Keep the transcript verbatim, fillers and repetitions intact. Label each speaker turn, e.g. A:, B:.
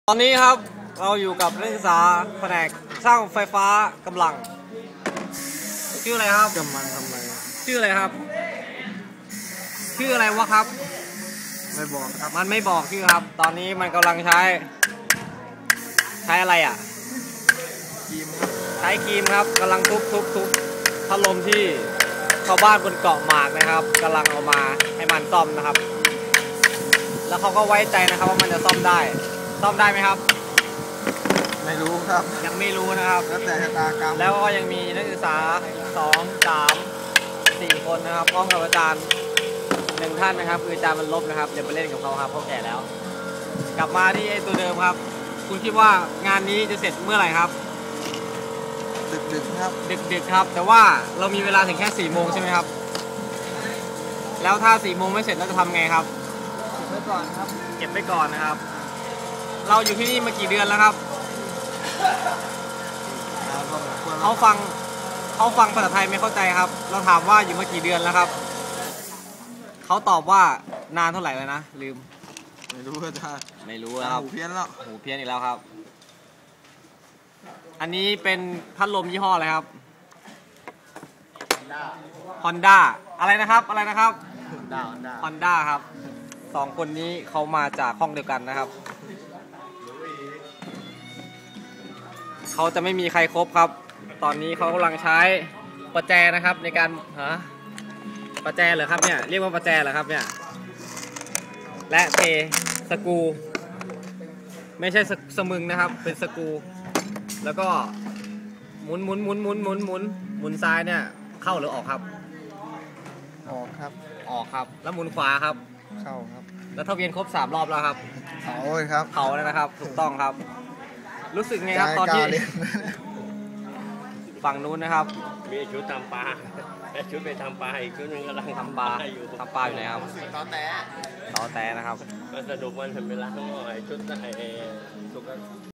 A: ตอนนี้ครับเราอยู่กับนักศึกษาแผนกช่างไฟฟ้ากำลังชื่ออะไรครับกำลังทำอะไรชื่ออะไรครับชื่ออะไรวะครับไม่บอกครับมันไม่บอกชื่อครับตอนนี้มันกำลังใช้ใช้อะไรอ่ะครีมใช้ครีมครับกำลังทุบทุบทุบพัดลมที่ชาวบ้านบนเกาะหมากนะครับกำลังเอามาให้มันซ่อมนะครับแล้วเขาก็ไว้ใจนะครับว่ามันจะซ่อมได้ซ่อมได้ไหมครับ
B: ไม่รู้ครับ
A: ยังไม่รู้นะครับ
B: แล้วแต่ชะตากรรม
A: แล้วก็ยังมีนักศึกษาสองสามสี่คนนะครับพร้อมกับอาจารย์หนึ่งท่านนะครับคืออาจารย์มันลบนะครับอย่าไปเล่นกับเขาครับเขาแก่แล้ว กลับมาที่ไอ้ตัวเดิมครับคุณคิดว่างานนี้จะเสร็จเมื่อไหร่ครับ
B: ดึกๆครับ
A: ดึกๆครับแต่ว่าเรามีเวลาถึงแค่สี่โมงใช่ไหมครับแล้วถ้าสี่โมงไม่เสร็จเราจะทำไงครับ
B: เก็บไว้ก่อนครับ
A: เก็บไว้ก่อนนะครับเราอยู่ที่นี่มากี่เดือนแล้วครับเขาฟังเขาฟังภาษาไทยไม่เข้าใจครับเราถามว่าอยู่มากี่เดือนแล้วครับเขาตอบว่านานเท่าไหร่เลยนะลืม
B: ไม่รู้อาจารย์
A: ไม่รู้ครับ
B: หูเพี้ยนแล้ว
A: หูเพี้ยนอีกแล้วครับอันนี้เป็นพัดลมยี่ห้ออะไรครับ Honda อะไรนะครับอะไรนะครับ
B: Honda Honda
A: Honda ครับสองคนนี้เขามาจากห้องเดียวกันนะครับเขาจะไม่มีใครครบครับตอนนี้เขากำลังใช้ประแจนะครับในการฮะประแจเหรอครับเนี่ยเรียกว่าประแจเหรอครับเนี่ยและเทสกรูไม่ใช่สมึงนะครับเป็นสกรูแล้วก็หมุนหมุนหมุนหมุนหมุนหมุนหมุนซ้ายเนี่ยเข้าหรือออกครับ
B: ออกครับ
A: ออกครับแล้วหมุนขวาครับ
B: เข้าครับ
A: แล้วถ้าเวียนครบสามรอบแล้วครับ
B: เผาเลยครับ
A: เผาแล้วนะครับถูกต้องครับรู้สึกไงครับตอนที่ฝั่งนู้นนะครับ
C: มีชุดทำปลาและชุดไปทำปลาอีกชุดนึงกำลัง
A: ทำปลาอยู่ทำปลาอยู่ไหนครับ
B: ต่อแต่
A: ต่อแต่นะครับ
C: ก็สนุกมันเป็นเวลาทั้งหมดชุดไอ้